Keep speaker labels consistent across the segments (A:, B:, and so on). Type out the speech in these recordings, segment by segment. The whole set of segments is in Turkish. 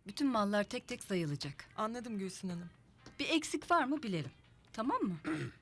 A: Bütün mallar tek tek sayılacak.
B: Anladım Gülsün Hanım.
A: Bir eksik var mı bilelim. Tamam mı?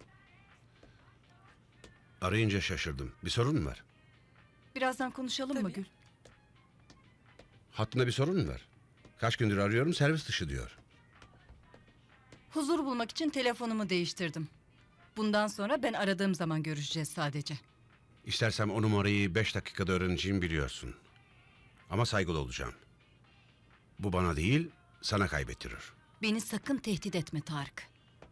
C: Arayınca şaşırdım. Bir sorun mu var?
A: Birazdan konuşalım mı
B: Tabii.
A: Gül?
C: Hattında bir sorun mu var? Kaç gündür arıyorum, servis dışı diyor.
A: Huzur bulmak için telefonumu değiştirdim. Bundan sonra ben aradığım zaman görüşeceğiz sadece.
C: İstersem o numarayı 5 dakikada öğreneceğimi biliyorsun. Ama saygılı olacağım. Bu bana değil, sana kaybettirir.
A: Beni sakın tehdit etme Tarık.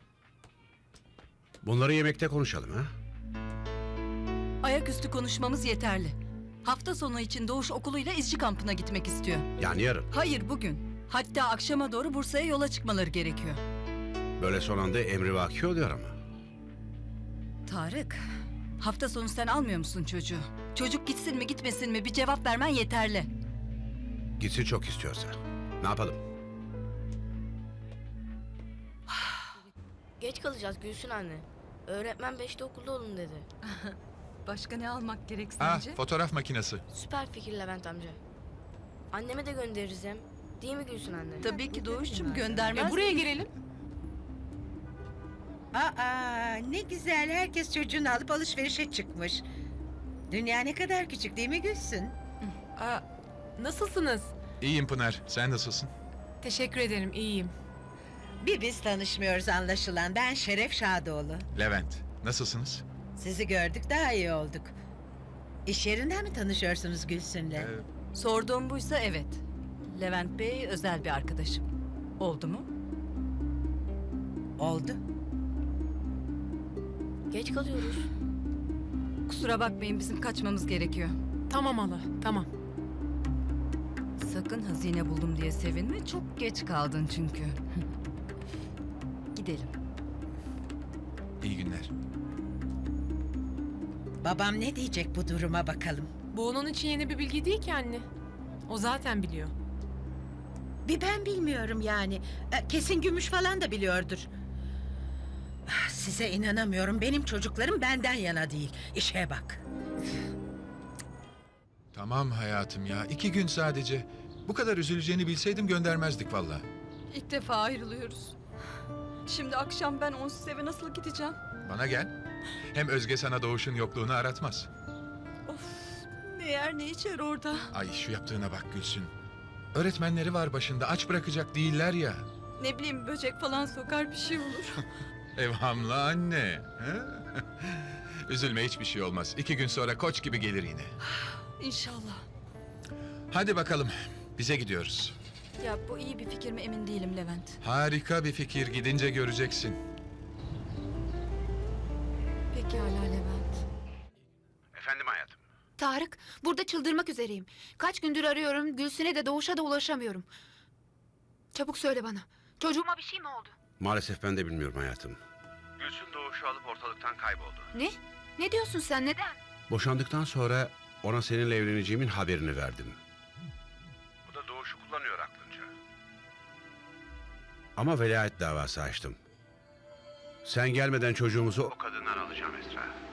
C: Bunları yemekte konuşalım ha?
A: Ayaküstü konuşmamız yeterli. Hafta sonu için Doğuş okuluyla izci kampına gitmek istiyor.
C: Yani yarın.
A: Hayır bugün. Hatta akşama doğru Bursa'ya yola çıkmaları gerekiyor.
C: Böyle son anda emrivaki oluyor ama.
A: Tarık, hafta sonu sen almıyor musun çocuğu? Çocuk gitsin mi gitmesin mi bir cevap vermen yeterli.
C: Gitsin çok istiyorsa. Ne yapalım?
D: Geç kalacağız Gülsün anne. Öğretmen 5'te okulda olun dedi.
A: Başka ne almak gerek
E: Ah,
A: sence?
E: fotoğraf makinesi.
D: Süper fikir Levent amca. Anneme de göndeririz hem. Değil mi Gülsün anne?
A: Tabii ki Doğuş'cum göndermez.
B: Buraya girelim.
F: Aa, ne güzel, herkes çocuğunu alıp alışverişe çıkmış. Dünya ne kadar küçük değil mi Gülsün?
B: Aa, nasılsınız?
E: İyiyim Pınar, sen nasılsın?
B: Teşekkür ederim, iyiyim.
F: Bir biz tanışmıyoruz anlaşılan. Ben Şeref Şadoğlu.
E: Levent, nasılsınız?
F: Sizi gördük, daha iyi olduk. İş yerinden mi tanışıyorsunuz Gülsün'le?
A: Sorduğum buysa evet. Levent Bey özel bir arkadaşım. Oldu mu?
F: Oldu.
D: Geç kalıyoruz.
A: Kusura bakmayın bizim kaçmamız gerekiyor.
B: Tamam hala, tamam.
A: Sakın hazine buldum diye sevinme. Çok geç kaldın çünkü. Gidelim.
E: İyi günler.
F: Babam ne diyecek bu duruma bakalım.
B: Bu onun için yeni bir bilgi değil ki anne. O zaten biliyor.
F: Bir ben bilmiyorum yani. Kesin Gümüş falan da biliyordur. Ah, size inanamıyorum. Benim çocuklarım benden yana değil. İşe bak.
E: Tamam hayatım ya, 2 gün sadece. Bu kadar üzüleceğini bilseydim göndermezdik vallahi.
A: İlk defa ayrılıyoruz. Şimdi akşam ben onsuz eve nasıl gideceğim?
E: Bana gel. Hem Özge sana Doğuş'un yokluğunu aratmaz.
A: Of, ne yer ne içer orada.
E: Ay şu yaptığına bak Gülsün. Öğretmenleri var başında, aç bırakacak değiller ya.
A: Ne bileyim böcek falan sokar bir şey olur.
E: Evhamlı anne. he? Üzülme, hiçbir şey olmaz. 2 gün sonra koç gibi gelir yine.
A: İnşallah.
E: Hadi bakalım, bize gidiyoruz.
A: Ya bu iyi bir fikir mi emin değilim Levent.
E: Harika bir fikir, gidince göreceksin.
A: Pekala Levent.
C: Efendim hayatım.
G: Tarık, burada çıldırmak üzereyim. Kaç gündür arıyorum, Gülsün'e de Doğuş'a da ulaşamıyorum. Çabuk söyle bana. Çocuğuma bir şey mi oldu?
C: Maalesef ben de bilmiyorum hayatım. Gülsün Doğuş'u alıp ortalıktan kayboldu.
G: Ne? Ne diyorsun sen, neden?
C: Boşandıktan sonra ona seninle evleneceğimin haberini verdim. Bu da Doğuş'u kullanıyor aklınca. Ama velayet davası açtım. Sen gelmeden çocuğumuzu o kadından alacağım Esra.